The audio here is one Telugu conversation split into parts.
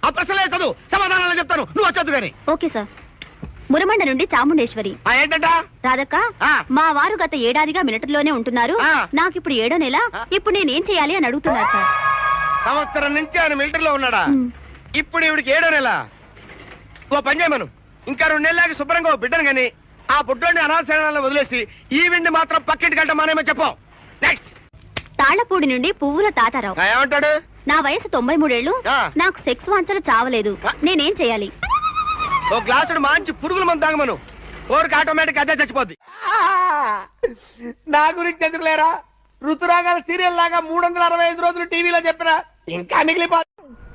ఆ ప్రశ్నలే చదువు, సమాధానాలు చెప్తాను, నువ్వు వచ్చొద్దు గాని. Okay sir. మురమండ నుండి చాముండేశ్వరి. ఏంటంట? రాధక్క, మా వారు గత ఏడాదిగా మిలిటరీలోనే ఉంటున్నారు. నాకు ఇప్పుడు 7వ నెల. ఇప్పుడు నేనేం చేయాలి అని అడుగుతున్నారు సార్. సంవత్సరం నుంచి ఆయన మిలిటరీలో ఉన్నాడా? ఇప్పుడు ఇవిడికి 7వ నెల. ఓ పని చేయమను, ఇంకా 2 నెలలకి శుభ్రంగా ఓ బిడ్డను గాని ఆ పుట్టోని అనాథశాలను వదిలేసి ఈ విండి మాత్రం పక్కింటి గంట మానేమో చెప్పు. నెక్స్ట్. తాళ్లపూడి నుండి పువ్వుల తాతారావు. ఏమంటాడు? నా వయసు 93 ఏళ్లు. నాకు సెక్స్ వాంఛలు చావలేదు. నేనేం చేయాలి? ఓ గ్లాసుడు మంచి పురుగుల మందు తాగమను, ఓరికి ఆటోమేటిక్ అదే చచ్చిపోద్ది. నా గురించి ఎందుకు లేరా? ఋతురాగాల సీరియల్ లాగా 365 రోజులు టీవీలో చెప్పినా ఇంకా మిగిలిపోతుంది.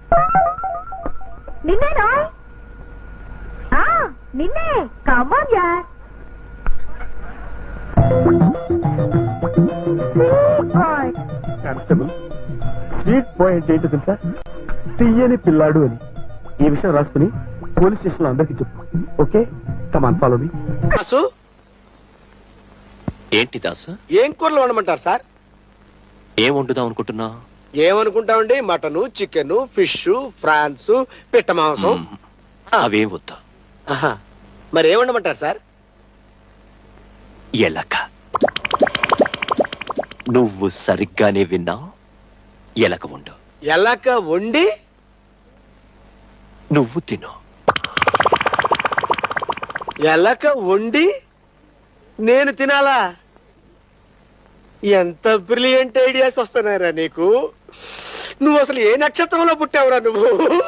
నిన్నే కమాన్ యార్. కానిస్టేబుల్, స్వీట్ పాయింట్ ఏంటో తెలుసా? తీయని పిల్లాడు అని. ఈ విషయం రాసుకుని పోలీస్ స్టేషన్ లో అందరికి చెప్పు. Okay, come on follow me. Dasu, ఏంటి దాసు? ఏం కూరలు వండమంటారు సార్? ఏం వండుదాం అనుకుంటున్నా? ఏమనుకుంటామండి, మటను, చికెన్, ఫిష్, ఫ్రాన్స్, పిట్ట మాంసం. అవేం వద్దా. మరి ఏం వండమంటారు సార్? ఎలక. నువ్వు సరిగ్గానే విన్నా, ఎలక వండు. ఎలక వండి నువ్వు తిను. ఎలక వండి నేను తినాలా? ఎంత బ్రిలియంట్ ఐడియాస్ వస్తున్నాయిరా నీకు. నువ్వు అసలు ఏ నక్షత్రంలో పుట్టావురా నువ్వు?